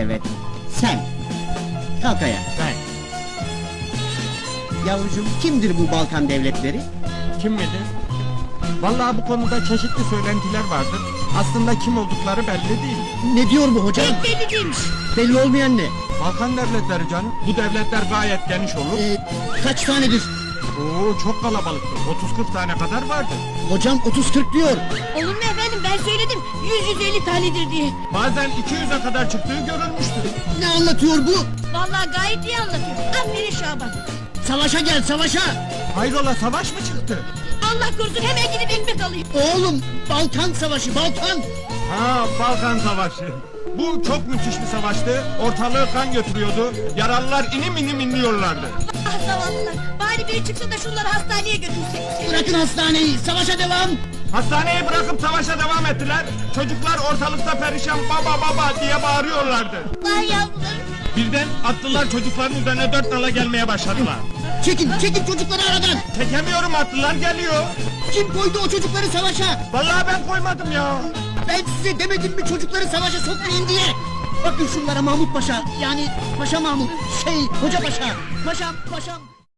Evet, sen. Kalk ayağa. Ben. Yavrucuğum, kimdir bu Balkan devletleri? Kim midir? Vallahi bu konuda çeşitli söylentiler vardır. Aslında kim oldukları belli değil. Ne diyor bu hocam? Pek belli değilmiş. Belli olmayan ne? Balkan devletleri canım. Bu devletler gayet geniş olur. Kaç tanedir? Oo, çok kalabalıktır. 30-40 tane kadar vardır. Hocam 30-40 diyor. Olur mu efendim, ben söyledim 100-150 tanedir diye. Bazen 200'e kadar çıktığı görülmüştür. Ne anlatıyor bu? Vallahi gayet iyi anlatıyor. Aferin Şaban. Savaşa gel, savaşa! Hayrola, savaş mı çıktı? Allah korusun, hemen gidip ekmek alayım. Oğlum, Balkan savaşı, Balkan! Ha, Balkan Savaşı. Bu çok müthiş bir savaştı. Ortalığı kan götürüyordu. Yaralılar inim inim inliyorlardı. Ah zavallılar, bari biri çıksa da şunları hastaneye götürsek. Bırakın hastaneyi, savaşa devam! Hastaneyi bırakıp savaşa devam ettiler. Çocuklar ortalıkta perişan baba baba diye bağırıyorlardı. Vay yavrularım. Birden atlılar çocukların üzerine 4 nala gelmeye başladılar. Çekin çocukları aradan! Çekemiyorum, atlılar geliyor. Kim koydu o çocukları savaşa? Vallahi ben koymadım ya. Ben size demedim mi çocukları savaşa sokmayın diye? Bakın şunlara Mahmut Paşa, yani Paşa Mahmut, Hoca Paşa, Paşam.